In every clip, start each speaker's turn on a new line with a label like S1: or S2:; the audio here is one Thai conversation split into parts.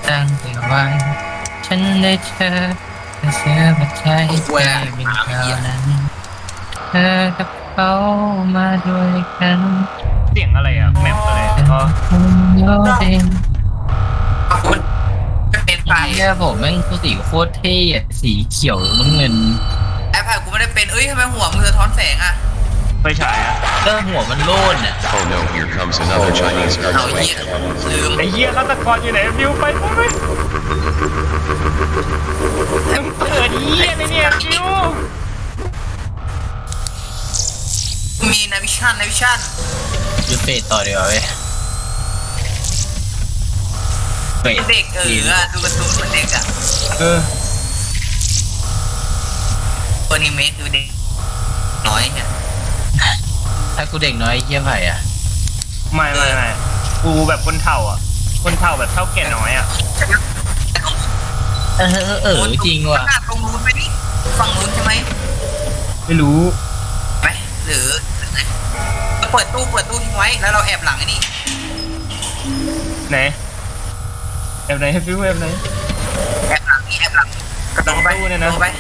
S1: ตั้งแต่วันฉันได้เธอและเสื้อมาใจแค่เป็นเท่านั้นเธอกับเขามาด้วยกัน
S2: เสียงอะไรอ่ะแมปอะไรอ๋อ
S1: โยเดน
S3: คุณจะเป็นไฟ
S1: เฮียผมแม่งสีโคตรเท่อะสีเขียวน้ำเงิน
S3: ไอ้ไผ่กูไม่ได้เป็นเอ้ยทำไมหัวมึงสะท้อนแสงอ่ะ
S2: ไฟฉายอ่ะ
S1: ก็หัวมันโล่นอ่ะ
S4: Oh no, here comes another Chinese
S3: เอาเหี้ย
S4: earthquake.
S3: ลืม
S2: ไอ้เหี้ยฆาตกรอยู่ไหนฟิวไปเกิดเหี้ยเลยเนี่ยฟิว
S3: มีนาวิชั่น
S1: ยูเฟตต่อเดียวาเว้ยเฟต
S3: เด็กดูการ์ตูนเหมือนเด็กอ่ะ
S2: เออ
S3: ตัวนี้เมคคือเด็กน้อยเนี่ย
S1: ถ้ากูเด็กน้อยเฮียไผ่อะ
S2: ไม่กูแบบคนเฒ่าอ่ะคนเฒ่าแบบเฒ่าแก่น้อยอ่ะ
S1: จริงว่ะ
S3: ขนาดตรงนู้นไปนี่ฝั่งนู้นใช่ไหม
S2: ไม่รู้
S3: ไหมหรือเปิดตู้ทิ้งไว้แล้วเราแอบหลังไอ้นี่
S2: ไหนแอบไหนฟิวแอบไหน
S3: แอบหลังกระโดดไป
S2: ตู้เนี่ยนะ
S3: กรโดดไป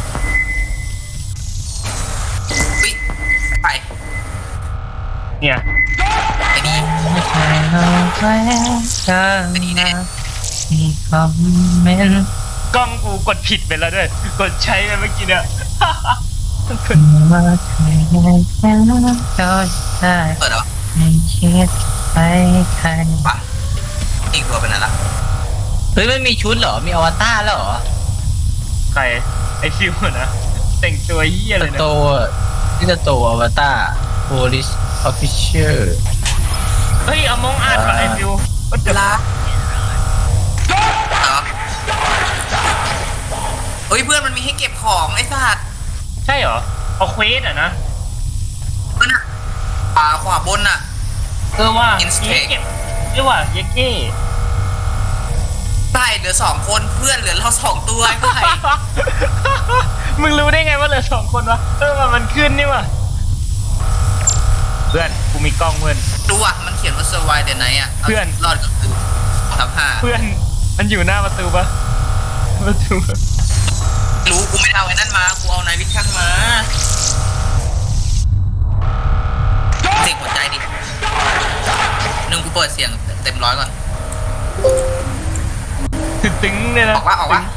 S3: อุ๊ยไป
S2: เนี่ย
S3: ไอ้นี่
S1: ไม่ใช่เราแค่กันนะมีคอมเมนต์
S2: กล้องกูกดผิดไปแล้วด้วยกดใช้ไปเมื่อกี้เนี่ย
S1: ว่าใครแค่นั้นก็ได้
S3: เปิดเหรอ
S1: ไม่คิดไปใคร
S3: ปะอีกตัวเป็นอะไรล่ะ
S1: เฮ้ยมันมีชุดเหรอ มีอวตารแล้วเหรอ
S2: ใครไอ้ฟิวนะแต่งตัวเหี้ย
S1: ส
S2: เลยนะ
S1: โตที่สโตอวตาร Police Officer
S2: เฮ้ยเอามองอาดกับไอ้ฟิวก็จะ
S3: ลาเหรอเฮ้ยเพื่อนมันมีให้เก็บของไอ้สัตว์
S2: ใช่เหรอเอาเควสอ่ะนะ
S3: นั่นน่ะขวาบนน่ะ
S2: ว่า
S3: Instake
S2: เก็บเรียกว่าเยเก้
S3: ใต้เหลือ2 คนเพื่อนเหลือเรา2 ตัวไอ้ไผ่
S2: มึงรู้ได้ไงว่าเหลือ2 คนวะมันขึ้นนี่วะเพื่อนกูมีกล้องเพื่อน
S3: ดูอ่ะมันเขียนว่า survive the night อ่ะ
S2: เพื่อน
S3: รอดก็คือ2/5
S2: เพื่อนมันอยู่หน้าประตูปะประตู
S3: รู้กูไม่เอาไอ้นั่นมากูเอานายวิชั่นมาเสียงหัวใจดิกูเปิดเสียงเต็มร้อยก่อน
S2: ตึงเลยนะ
S3: ออกวะ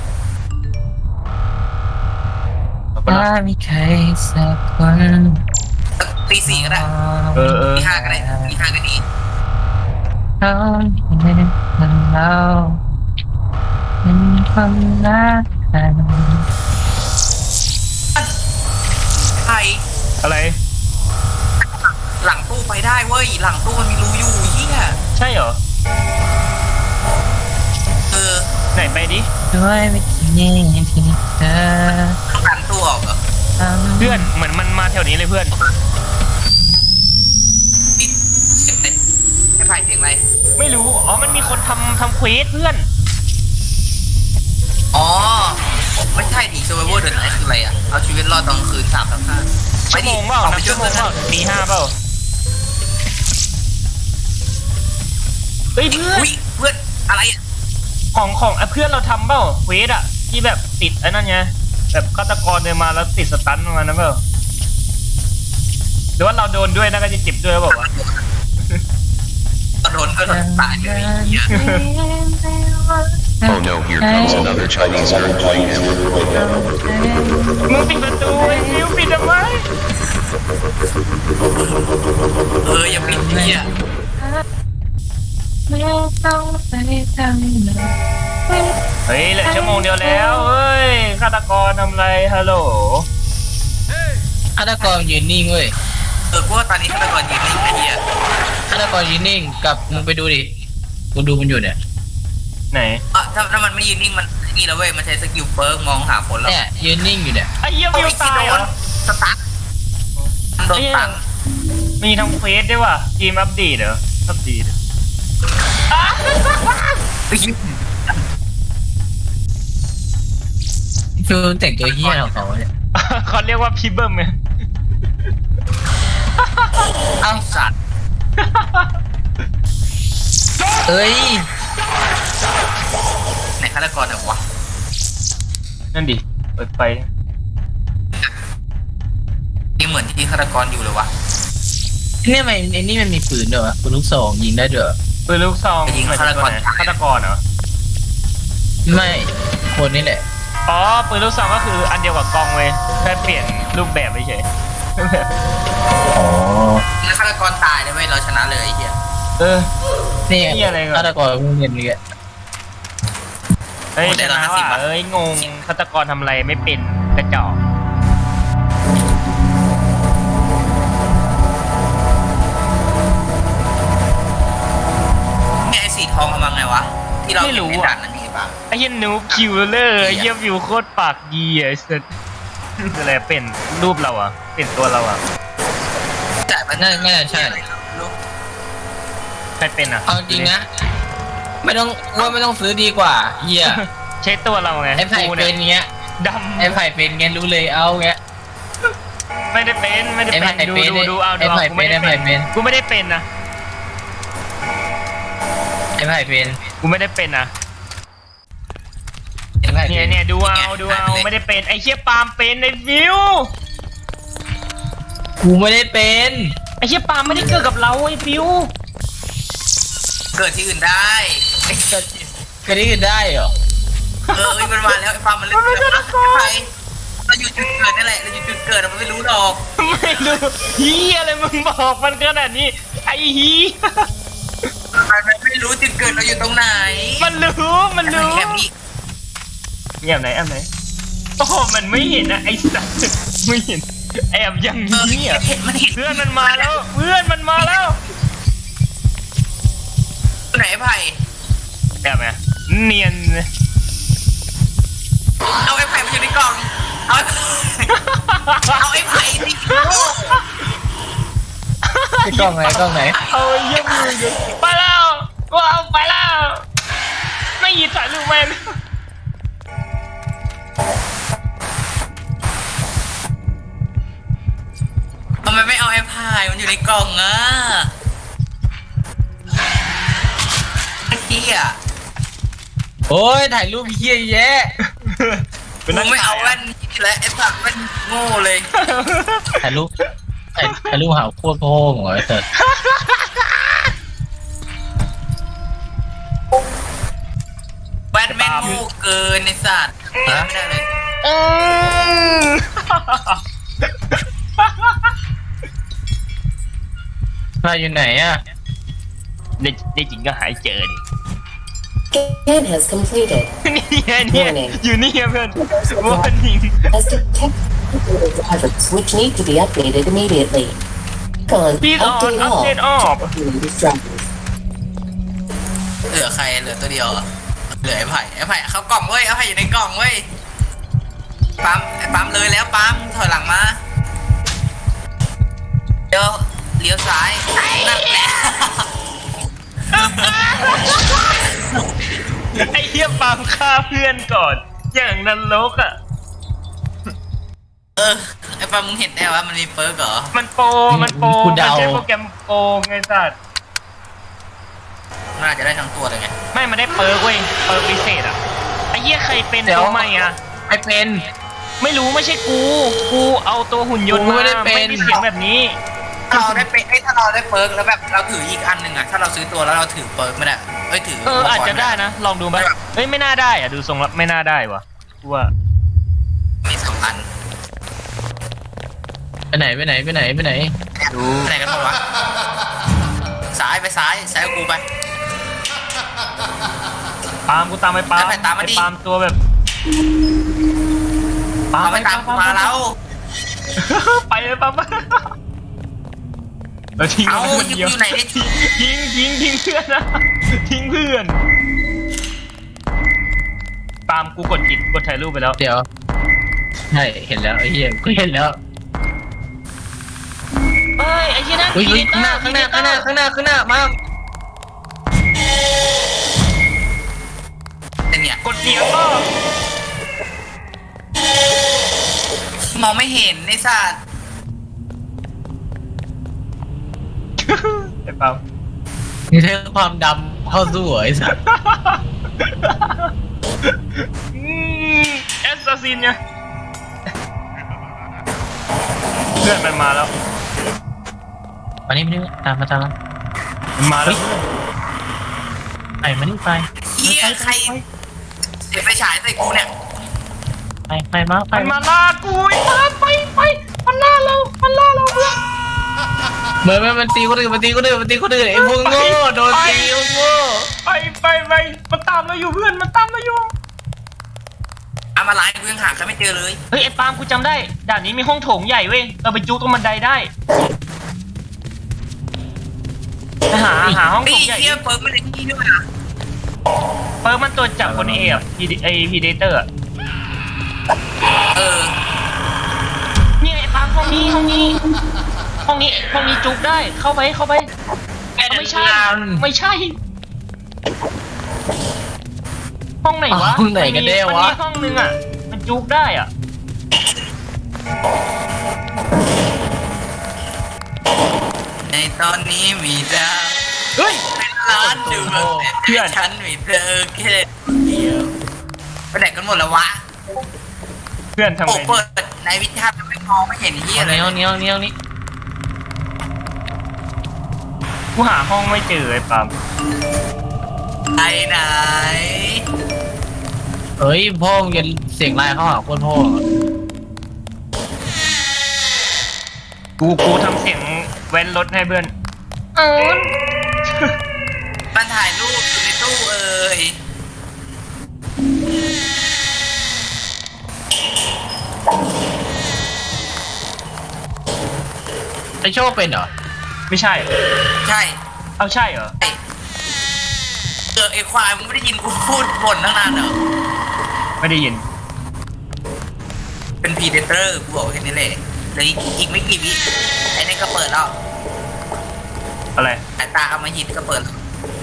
S1: ถ้ามีใครสักคน
S3: ตี 4ก็ได้ตี 5ก็ได้ตี 5ก็ดี
S1: เขาเห็นเราเป็นคนรักกัน
S3: ไผ่
S2: อะไร
S3: หลังตู้ไปได้เว้ยหลังตู้มันมีรูอยู่เฮีย
S2: ใช่เหรอ ไหนไปดิ
S1: ด้วยวิธีที่เธอ
S3: ต้องดันตู้ออกเหรอ
S1: ทำ
S2: เพื่อนเหมือนมันมาแถวนี้เลยเพื่อน
S3: ปิดเสียงอะไรไอ้ไผ่เสียงอะไร
S2: ไม่รู้อ๋อมันมีคนทำเควสเพื่อน
S3: อ๋อไม่ใช่ดิ survival the night คืออะไรอ่ะเอาชีวิตรอดตอนกลางคืน3/5
S2: ชั่วโมงเปล่านับชั่วโมงเปล่าตี 5เปล่าเฮ้ยเพื่อน
S3: อุ้ยเพื่อนอะไรอ่ะ
S2: ของเพื่อนเราทำเปล่าเควสอะที่แบบติดไอ้นั่นไงแบบฆาตกรเดินมาแล้วติดสตันประมาณนั้นเปล่าหรือว่าเราโดนด้วยน่าจะเจ็บด้วยเปล่าวะ
S3: โดนก็โดนตายเลยเฮีย
S4: Oh no, here comes another Chinese earthquake.
S2: มึงปิดประตูไอ้ฟิวปิดทำไม
S3: อย่าปิดเฮีย
S1: ไม่ต้องไปทำเลย
S2: เฮ้ยเหลือชั่วโมงเดียวแล้วเฮ้ยฆาตกรทำไรฮัลโหล
S1: ฆาตกรยืนนิ่งเว้ย
S3: กูว่าตอนนี้ฆาตกรยืนนิ่งไอ้เฮีย
S1: ฆาตกรยืนนิ่งกับมึงไปดูดิกูดูมันอยู่เนี่ย
S2: ไหน
S3: ถ้ามันไม่ยืนนิ่งมันนี่แล้วเว้ยมันใช้สกิลเฟิร์กมองหาคนแล้ว
S1: เนี่ยยืนนิ่งอยู่เนี่ย
S2: ไอ้เหี้ยวิวตายเหรอ
S3: สตาร์ทโดนตัง
S2: มีทำเควสด้วยว่ะเกมอัปเดตเหรออัปเดต
S1: คือแต่งตัวเฮี้ยของเขาเนี่ย
S2: เขาเรียกว่าพีเบิร์มไง
S3: เอ้าสัตว์
S1: เอ้ย
S3: ตกรเนี่ยวะ
S2: นั่นดิเปิดไฟ
S3: นี่เหมือนที่ฆาตกรอยู่เลยวะ
S1: เนี่ยมันไอ้นี่มันมีปืนด้วยวะปืนลูกซองยิงได้ด้วยเหรอ
S2: ปืนลูกซองฆาตกรเหรอ
S1: ไม่คนนี่แหละ
S2: อ๋อปืนลูกซองก็คืออันเดียวกับกองเว้ยแค่เปลี่ยนรูปแบบเฉย
S1: อ๋อ
S3: แล้วฆาตกรตายเลยเว้ยเราชนะเลยไอ้เหี้ย
S2: เออ
S1: นี่
S2: เหี้ยอะไรก่อน
S1: ฆาตกรเงินนี่แหละ
S2: เฮ้ยชนะว่ะเอ้ยงงฆาตกรทำอะไรไม่เป็นกระจอก
S3: ไอ้สีทองมาไงวะที่เราเห็นในด่านนั้นนี่ปะ
S2: ไอ้เหี้ยนูบคิวเลอร์ไอ้เหี้ยวิวโคตรปากดีไอ้สัสอะไรเป็นรูปเราอ่ะเป็นตัวเราอ่ะ
S3: จ่ายมัน
S1: น่าจะใช่
S2: ใครเป็นอ่ะ
S1: เอาจริงนะไม่ต้องซื้อดีกว่าเฮีย
S2: ใช้ตัวเราไง
S1: ไอ้ไผ่
S2: กู
S1: เป็
S2: เนี่ย
S1: นเงี้ย
S2: ดำ
S1: ไอ้ไผ่เป็นเงี้ยรู้เลยเอาเงี้ย
S2: ไม่ได้เป็นไม่ได้
S1: ไอ้ไผ่
S2: เป็นดู
S1: เป็น
S2: ดูเอา
S1: ไอ้
S2: ดู
S1: ไผ่
S2: เอากูไม่ได้
S1: เป็นไอ้ไผ่เป็น
S2: กูไม่ได้เป็นนะ
S1: ไอ้ไผ่เป็น
S2: กูไม่ได้เป็นนะ
S1: ไอ้ไผ่
S2: เนี่ย
S1: เป็น
S2: เนี่ยดูเอาดูเอาไม่ได้เป็นไอ้เชี่ยปาล์มเป็นไอ้วิว
S1: กูไม่ได้เป็น
S2: ไอ้เชี่ยปาล์มไม่ได้เกิดกับเราไอ้วิว
S3: เกิดที่อื่นได้
S1: ก็ได้ได้เหรอ
S3: มันมาแล้วไอ้ฟาร์มมันเล่นใครเราอยู่จุดเกิดนั่นแหละเราอยู่จุดเกิดมันไม่รู้หรอก
S2: ไม่รู้ฮียอะไรมึงบอกมันขนาดนี้ไอ้ฮี
S3: มันไม่รู้จุดเกิดเราอยู่ตรงไหน
S2: มันรู้มันรู้
S3: แคบนี้
S2: แอบไหนแอบไหนโอ้โหมันไม่เห็นนะไอ้สัตว์ไม่เห็นแอบอย่างนี้อ่ะ
S3: เห็นมันเห็น
S2: เพื่อนมันมาแล้วเพื่อนมันมาแล้ว
S3: ไหนไผ่
S2: แอบไงเนียนเลย
S3: เอาไอ้ไผ่มาอยู่ในกล่องเอาไอ้ไผ่สิ
S1: ไอ้กล้องไหนกล้องไหน
S2: เอาเยี่ยมเลยไปแล้วว้าวไปแล้วไม่หยิบสายลูกแมน
S3: ทำไมไม่เอาไอ้ไผ่มันอยู่ในกล่องอ่ะไอ้เหี้ย
S1: โอ้ยถ่ายรูปเฮียแยะ
S3: มึงไม่เอาแว่นนี่และไอ้สัตว์แว่นโง่เลย
S1: ถ่ายรูปถ่ายรูปหาโคตรโพ่งเหรอไอ้เถิด
S3: แว่นแม่งโง่เกินไอ้สัตว์ไม่ได้เลย
S1: มาอยู่ไหนอ่ะ
S2: ในจริงก็หายเจอดิ
S5: Scan has completed.
S2: เนี่ยอยู่นี่เพื่อนว่านิง
S5: Has detected drivers which need to be updated immediately. Click on
S2: Please on update all.
S5: Latest drivers.
S3: เหลือใครเหลือตัวเดียวเหรอเหลือไอ้ไผ่เข้ากล่องเว้ยไอ้ไผ่อยู่ในกล่องเว้ยปั๊มไอ้ปั๊มเลยแล้วปั๊มถอยหลังมาเลี้ยวซ้ายนั่นแหละ
S2: ไอ้เหี้ยปาล์มฆ่าเพื่อนก่อน อย่างนรกอ่ะ
S3: ไอ้ปั๊มมึงเห็นได้ว่ามันมีเปิร์กเหรอ
S2: มันโปรมันใช้โปรแกรมโปรไงสัตว์
S3: มันอาจจะได้ทั้งตัวเลยไง
S2: ไม่มันได้เปิร์กเว้ยเปิร์กพิเศษอ่ะไอ้เหี้ยใครเป็นตัวใหม่อ่ะ
S1: ไอ้เป็น
S2: ไม่รู้ไม่ใช่กูเอาตัวหุ่นยนต์
S1: กู
S2: มา
S1: ไม่ได้เป็น
S2: ไม่มีเสียงแบบนี้
S3: ถ้าเราได้เปิร์กแล้วแบบเราถืออีกอันหนึ่งอะถ้าเราซื้อตัวแล้วเราถือเปิร์กไม่ได้ถือ
S2: อาจจะได้นะ ลองดูไหมเฮ้ยไม่น่าได้อ่ะดูทรงแล้วไม่น่าได้วะกูว่า
S3: มีสองอัน
S1: ไปไหนไปไหนไปไหนไปไหน
S3: ดูไหนกันบ้างวะซ้ายกับกูไป
S2: ปาล์มกูตามไปปาล์ม
S3: ไปตามมาดิ
S2: ไอ้ปาล์มตัวแบบปาล์ม
S3: เอาไปตามกูมาแล้ว
S2: ไปเลยปาล์มเราทิ้ง
S3: เอา
S2: มันคน
S3: อยู่
S2: เดียว
S3: ไหนเนี่ย
S2: ทิ้งเพื่อนนะทิ้งเพื่อนปาล์มกูกดผิดกดถ่ายรูปไปแล้ว
S1: เดี๋ยวใช่เห็นแล้วไอ้เหี้ยกูเห็นแล้ว
S2: เฮ้ยไอ้เหี้ยนั่น
S1: อุ้ยข้างหน้ามา
S3: เป็นเนี่ย
S2: กดเดียวก็
S3: มองไม่เห็นไอ้สัตว์
S2: ไอ้ปาล์ม
S1: นี่ใช้ความดำเข้าสู้เหรอไอ้สัส
S2: ซินไงเพื่อนมันมาแล้ว
S1: มานี่ตามมา
S2: มันมาแล้ว
S1: ไปมานี่ไป
S3: เฮียใครเสียบไฟฉายใส่กูเนี่ย
S1: ไปมาไป
S2: มันมาล่ากูไอ้ตาไปมันล่าเราเพื่อน
S1: เหมือนมันตีคนอื่นไอ้พวกโง่โดนตีโง่
S2: ไปมันตามเราอยู่เพื่อนมันตามเราอยู่
S3: เอามาไลน์กูยังหาใครไม่เจอเลย
S2: เฮ้ยไอ้ปาล์มกูจำได้ด่านนี้มีห้องโถงใหญ่เว้ยเราไปจุกตรงบันไดได้ไปหาห้อง
S3: ไอ้
S2: โถงใหญ่
S3: เฮียเปิดไม่ได้ที่ด้วยนะ
S2: เปิดมันตัวจับคนเออะไอพีเดเตอร์อะ
S3: เออ
S2: เนี่ยไอ้ปาล์มห้องนี้จุกได้เข้าไปไม่ใช่ห้องไหนวะ
S1: ห้องไหนกันแน่วะ
S2: มันมีห้องนึงอะมันจุกได้อะ
S3: ในตอนนี้มีดาว
S1: เฮ้ย
S3: เป็นล้านดวงแต่ฉันมีเธอแค่เดียวไปไหนกันหมดแล้ววะ
S2: เพื่อนทำ
S3: โอ้
S2: ไง
S3: เปิดในวิชาทำไมมองไม่เห็นเฮียอะไร
S1: ห้องนี้
S2: กูหาห้องไม่เจอไอ้ปาล์ม
S3: ไหน
S1: เฮ้ยพ่อมึงจะเสียงไล่เข้าหาคนพ่อ
S2: กูทำเสียงแว้นรถให้เพื่อน
S3: มันถ่ายรูปอยู่ในตู้เอ่ย
S1: ไอโชคเป็นเหรอ
S2: ไม่ใช่
S3: ใช่
S2: เอาใช่เหรอ
S3: ไอ้ควายมึงไม่ได้ยินกูพูดบ่นตั้งนานเหรอ
S2: ไม่ได้ยิน
S3: เป็นพีเดเตอร์กูบอกแค่นี้เลยเลยอีกไม่กี่วิไอ้นี่ก็เปิดแล้ว
S2: อะไร
S3: สายตาเอามาหินก็เปิดแล้ว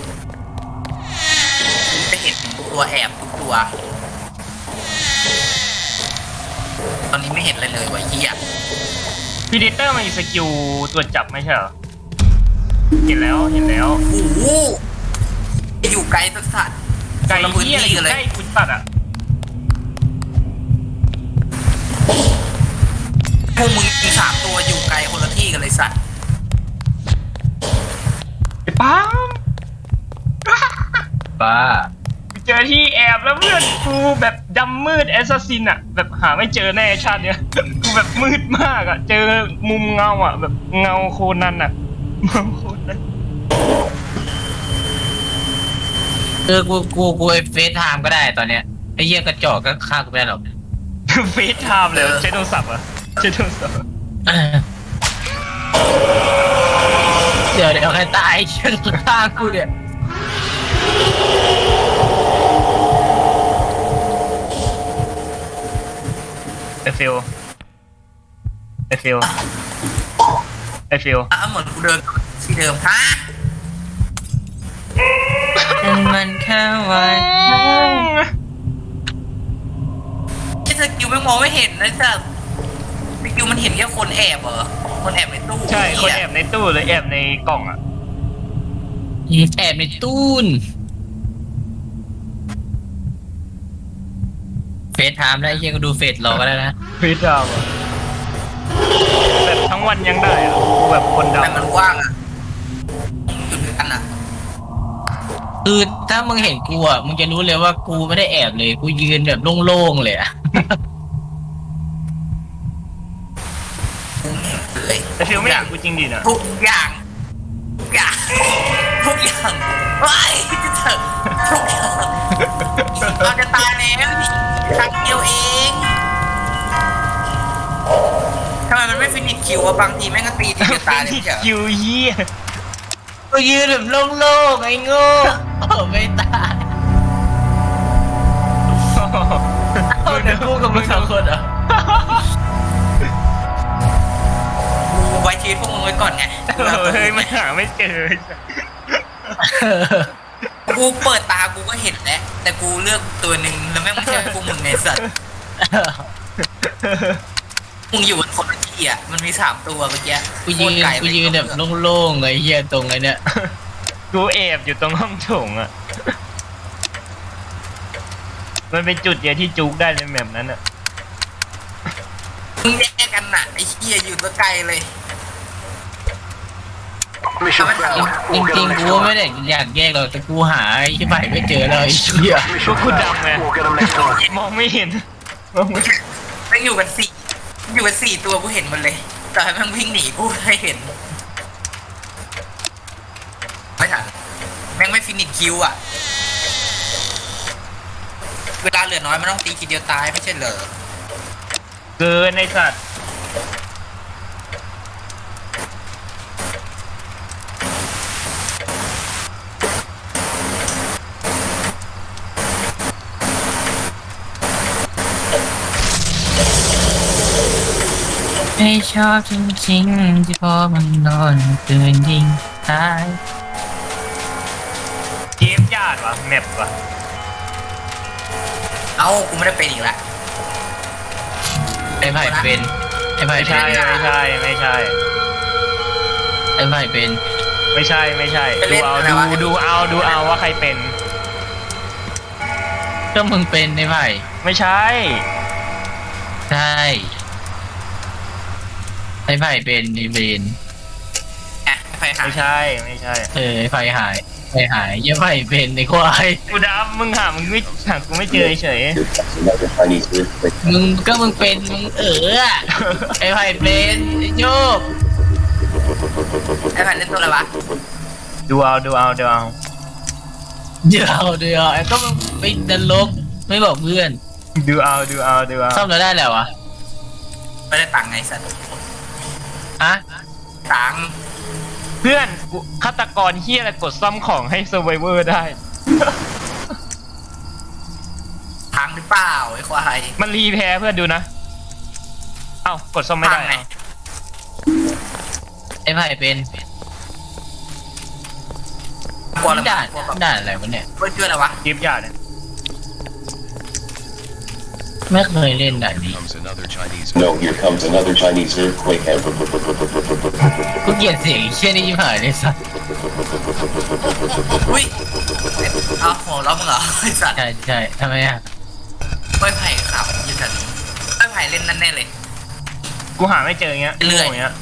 S3: จะเห็นตัวแอบทุกตัว ตอนนี้ไม่เห็นอะไรเลยวะเฮีย
S2: พีเดเตอร์มันมีสกิลตรวจจับไม่ใช่เหรอ เห็นแล้ว
S3: โอ้โหอยู่ไกลสัสสัส
S2: ไก่
S3: คนละพื้น
S2: เหี้ยอะไร
S3: ที่
S2: อยู่
S3: กันเลย
S2: ใกล้คุณปัดอ่ะ
S3: พวกมึงสามตัวอยู่ไกลคนละที่กันเลยสัตว์
S2: ไอ้ป้าล์ม
S1: ป้า
S2: กูเจอที่แอบแล้วเพื่อนกูแบบดำมืดแอสซัสซินอ่ะ แบบหาไม่เจอแน่ชาติเนี้ย กูแบบมืดมากอ่ะ เจอมุมเงาอ่ะ แบบเงาโคนันอ่ะเงาโคนัน
S1: กูไอเฟซไทม์ก็ได้ตอนเนี้ยไอเหี้ยกระจอกก็ฆ่ากูไม่ได้หรอก
S2: เฟซไทม์เลยใช้โทรศัพท์เหรอ่ะใช้โทรศัพท์
S1: เดี๋ยวใครตายเชี่ยฆ่ากูเนี่ย
S2: ไอฟิล
S3: อ่ะเหมือนกูเดินที่เดิมฮะ
S1: มันแค่วัน
S3: ที่สกิลไม่มองไม่เห็นนะจ๊ะสกิลมันเห็นแค่คนแอบเหรอคนแอบในตู้
S2: ใช่คน
S3: เหี้ย
S2: แอบในตู้เลยแอบในกล่องอ่ะ
S1: แอบในตู้นเฟซไทม์แล้วไอ้เหี้ยก็ดูเฟซรอก็ได้นะ
S2: เฟซไทม์อ่ะแบบทั้งวันยังได้อ่ะกูแบบคนด
S3: แต่มันกว้างอ่ะอยู่ด้วยกันอ่ะ
S1: คือถ้ามึงเห็นกูอ่ะมึงจะรู้เลยว่ากูไม่ได้แอบเลยกูยืนแบบโล่งๆเลยอ่ะ
S3: เลย
S2: ำแต่ฟิลไม่อยากกูจริงดินะ
S3: ทุกอย่างทุกอย่างเฮ้ยจะเถอะทุกอย่างเราจะตายแล้วครั้งเดียวเองทำไมมันไม่ฟินิชคิววะบางทีแม่งก็ตีทีจะตายเลยไม่ใช่เหรอ
S2: คิวเยี่ย
S1: กูยืนแบบโล่งๆไอ้โง่ไม่ตายเอาเดี๋ยวกูกับมึงสองคนเหรอ
S3: กูไว้ชีวิตพวกมึงไว้ก่อนไง
S2: เฮ้ยไม่หาไม่เจอ
S3: กูเปิดตากูก็เห็นแล้วแต่กูเลือกตัวหนึ่งแล้วแม่งไม่ใช่พวกมึงไงสัตว์มึงอยู่บนคนละที่อ่ะมันมี3ตัวเมื่อกี้
S1: กูยืนแบบโล่งๆไอ้เหี้ยตรงไอ้เนี่ย
S2: กูแอบอยู่ตรงห้องโถงอ่ะ มันเป็นจุดเดียวที่จุกได้ในแมปนั้นอ่ะ
S3: มึงแยกกันน่ะไอ้เหี้ยอยู่ตัวไกลเลย
S6: Mission
S3: ไม่ทัน
S6: failed.
S1: จริงๆกูไม่ได้อยากแยกหรอกแต่กูหาไอ้ที่ใหม่ไม่เจอเลยไอ้เหี้ย
S6: Mission
S2: Good
S6: failed.
S2: job, man.
S6: We'll get them next time.
S2: มองไม่เห็นมองไม่เห็น
S3: แม่งอยู่กันสี่ตัวกูเห็นหมันเลย แต่ให้แม่งวิ่งหนีกูให้เห็น ไม่ทันแม่งไม่ฟินิชคิวอ่ะ เวลาเหลือน้อยมันต้องตีทีเดียวตายไม่ใช่เหรอ
S2: เกินไอ้สัตว์
S1: ไม่ชอบจริงๆที่พอมันนอนตื่นยิงตาย
S2: เกมยากวะแมปวะ
S3: เอ้ากูไม่ได้เป็นอีกแล้ว
S1: ไอ้ไผ่เป็นไอ้ไผ่
S2: ไม่
S1: เป็
S2: ใช่
S1: น
S2: ไม่ใช่ไม่ใช่
S1: ไอ้ไผ่เป็น
S2: ไม่ใช่ไม่ใช่ดูเอาว่าใครเป็น
S1: ก็มึงเป็นไอ้ไผ่
S2: ไม่ใช่
S1: ใช่ไอ้ไผ่เป็นไอ้เบน
S3: อ่ะไฟหาย
S2: ไม่ใช่ไม่ใช่
S1: ไอ้ไผ่หายไอ้หายไอ้ไผ่เป็นไอ้ควาย
S2: กูดำมึงหามึงไม่หากูไม่เจอเฉย
S4: Another Chinese earthquake.
S1: มึงเป็นมึงอะไอ้ไผ่เป็นไอ้โยก
S3: ไอ้แผ่นเล่นตัวอะไรวะ
S2: ดูเอา
S1: เดี๋ยวไอ้ก็มึงเป็นนรกไม่บอกเพื่อน
S2: ดูเอา
S1: ซ่อมแล้วได้แล้ววะ
S3: ไม่ได้ตังค์ไงสัตว์
S1: อะ
S3: ตังค์
S2: เพื่อนกูฆาตกรเฮียอะไรกดซ่อมของให้เซอร์ไวเวอร์ได้
S3: พังหรือเปล่าไอ้ควาย
S2: มันรีแพ้เพื่อนดูนะ เอ้ากดซ่อมไม่ได้
S3: พังไง
S1: ไอ้ไผ่เป็น
S3: กลัวอะไร
S1: ด่าน
S3: กลัวแบบ
S1: ด่านอะไรวะเนี่ย
S3: เพื่อนชื่ออะไรวะ
S2: เกมยากเนี่ย
S1: ไม่เคยเล่นด่าน
S4: Here
S1: นี้
S4: comes another Chinese.
S7: No, here comes another Chinese earthquake.
S1: กูเกลียดเสียงไอ้เชี่ยนี่ยิ่งหายเลยสัส
S3: อุ้ยเอาหัวเราะมึงเหรอไอ้สัตว์
S1: ใช่ทำไมอะ
S3: กล้วยไผ่ขับยืนแถวนี้กล้วยไผ่เล่นนั่นแน่เลย
S2: กูหาไม่เจออย่างเงี้ย
S3: เรื่อย
S2: อย่างเงี้ย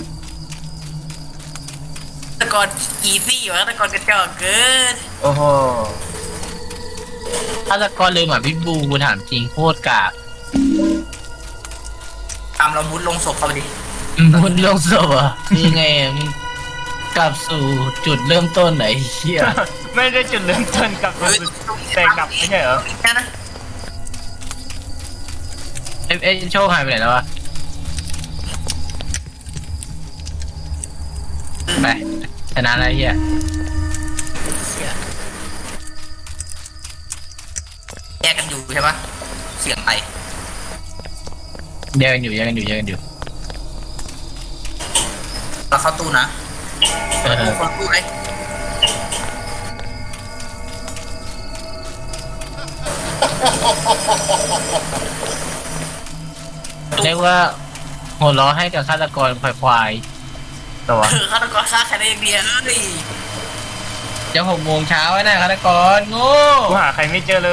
S3: ตะกอนอีซี่วะตะกอนกระจอกเกิน
S2: โอ้โห
S1: ฆาตกรเลยหมาพิษบูกูถามจริงโคตรกาก
S3: ตามเรามุดลงศพเข้าไปดิ
S1: มึงลงศพอ่ะนี่ไงอะมึงกลับสู่จุดเริ่มต้นไหนเชี่ย
S2: ไม่ได้จุดเริ่มต้นกับแต่กลับไม่ใช่เหรอ
S3: แค่นะ
S1: ไอ้โชคหายไปไหนแล้ววะไปชนะแล้วเฮีย
S3: แยกกันอยู่ใช่ปะเสียงไป
S1: แยกกันอยู่
S3: เราเข้าตู้นะ
S1: เออ
S3: คนตู้เลย
S1: เรียกว่าหัวล้อให้กับฆาตกรควาย
S2: ตัว
S3: ฆาตกรฆ่าใครได้อย่างเดียวเฮ้ย
S1: ๆจะ6 โมงเช้าแล้วนะฆาตกรโง่
S2: กูหาใครไม่เจอเลย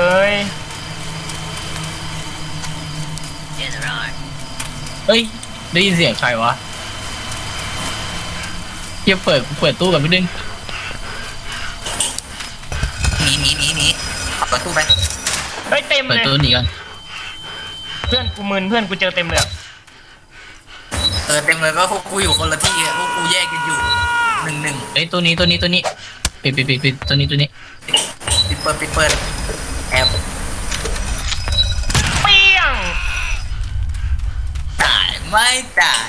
S1: เฮ้ยได้ยินเสียงใครวะเฮียเปิดตู้ก่อนนิดนึง
S3: หนีขับประตูไป
S2: เฮ้ยเต็ม
S1: เปิด
S2: เลย
S1: ตู้หนีก่อน
S2: เพื่อนกูมึนเพื่อนกูเจอเต็มเลยอะ
S3: เต็มเลยก็พวกกูอยู่คนละที่พวกกูแยกกันอยู่หนึ่ง
S1: เฮ้ยตัวนี้ปิดตัวนี้
S3: ปิดเปิดแอบ
S2: เปี้ยง
S3: ตายไม่ตาย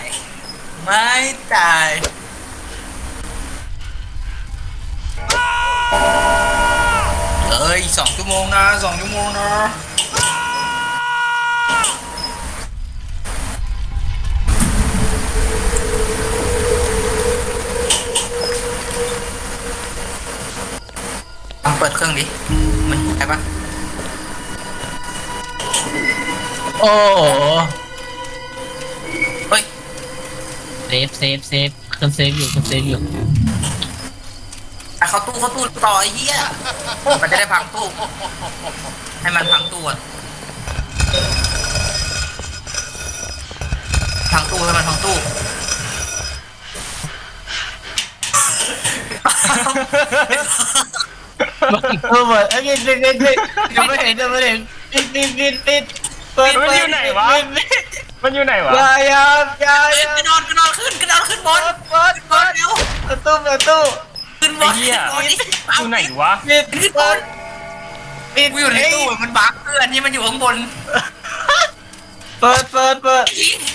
S3: 2 ชั่วโมงนะลองเปิดเครื่องดิมันใช่ปะ
S1: โอ้โห
S3: เฮ้ย
S1: เซฟเครื่องเซฟอยู่
S3: เข้าตู้ต่อไอ้เหี้ยมันจะได้พังตู้ให้มันพังตู้อะให้มันทั้งตู้
S1: เปิดเอ้ยปิดยังไม่เห็นปิดเปิด
S2: มันอยู่ไหนวะมันอยู่ไหนวะ
S1: อย่าก
S3: ระโดดขึ้นบนเร็ว
S1: ประตู
S3: ขึ้นบน
S2: ไอ้เหี้ย อยู่ไหนวะ
S3: ขึ้นบนกูอยู่ในตู้มันบั๊กเพื่อนที่มันอยู่ข้างบน
S1: เปิด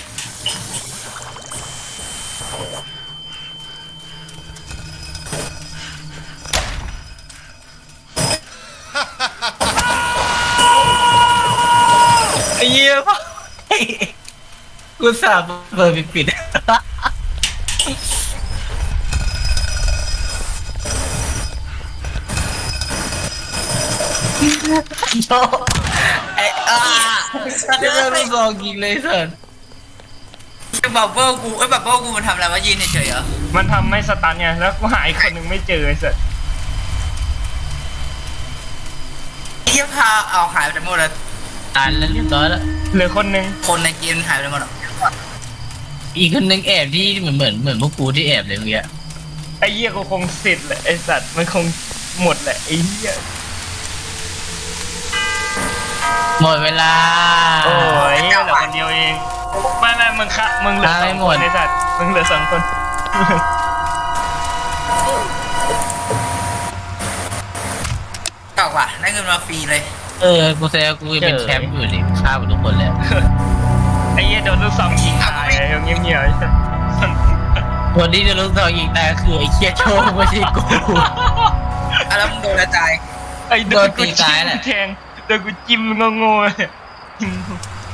S1: ไอ้เหี้ยกูสาบเปิดปิดโชไอ้เดี๋ยวไม่ลองยิงเลยสัน
S3: บับเบิ้ลกูบับเบิ้ลกูมันทำอะไรวะยืนเฉยๆเหรอ
S2: มันทำไม่สตันไงแล้วกูหาอีกคนหนึ่งไม่เจอไอ้สัส
S3: ไอ้เหี้ยพาเอาหายไปหมดเลย
S1: ตายแล้วเรียบร้อยแล้ว
S2: เหลือคนหนึ่ง
S3: คนในเกมหายไปหมด
S1: อีกคนนึงแอบที่เหมือนพวกกูที่แอบเลยเมื่อกี้
S2: ไอ้เหี้ยกูคงเสร็จแหละไอ้สัตว์มันคงหมดแหละไอ้เหี้ย
S1: หมดเวลา
S2: โอ้ยเหลือคนเดียวเองไม่มึงเหลือสองคนไอ้สัตว์มึงเหลือสองคน
S3: เก่าว่ะได้เงินมาฟรีเลย
S1: กูแซวกูเป็นแชมป์อยู่นี่ฆ่าหมดทุกคนแล้ว
S2: ไอ้เหี้ยโดนลูกซองยิงตายเงียบๆไอ้สัตว์
S1: คนที่จะรู้ตัวยิงตายคือไอ้เคียโชว์ไม่ใช่กู
S3: แล้วมึงโดนกระจาย
S2: ไอ้โดนกู
S1: โดนตี
S2: จิ้
S1: ตาย
S2: ม
S1: แหละ
S2: แทงโดนกูจิ้มงงๆเลย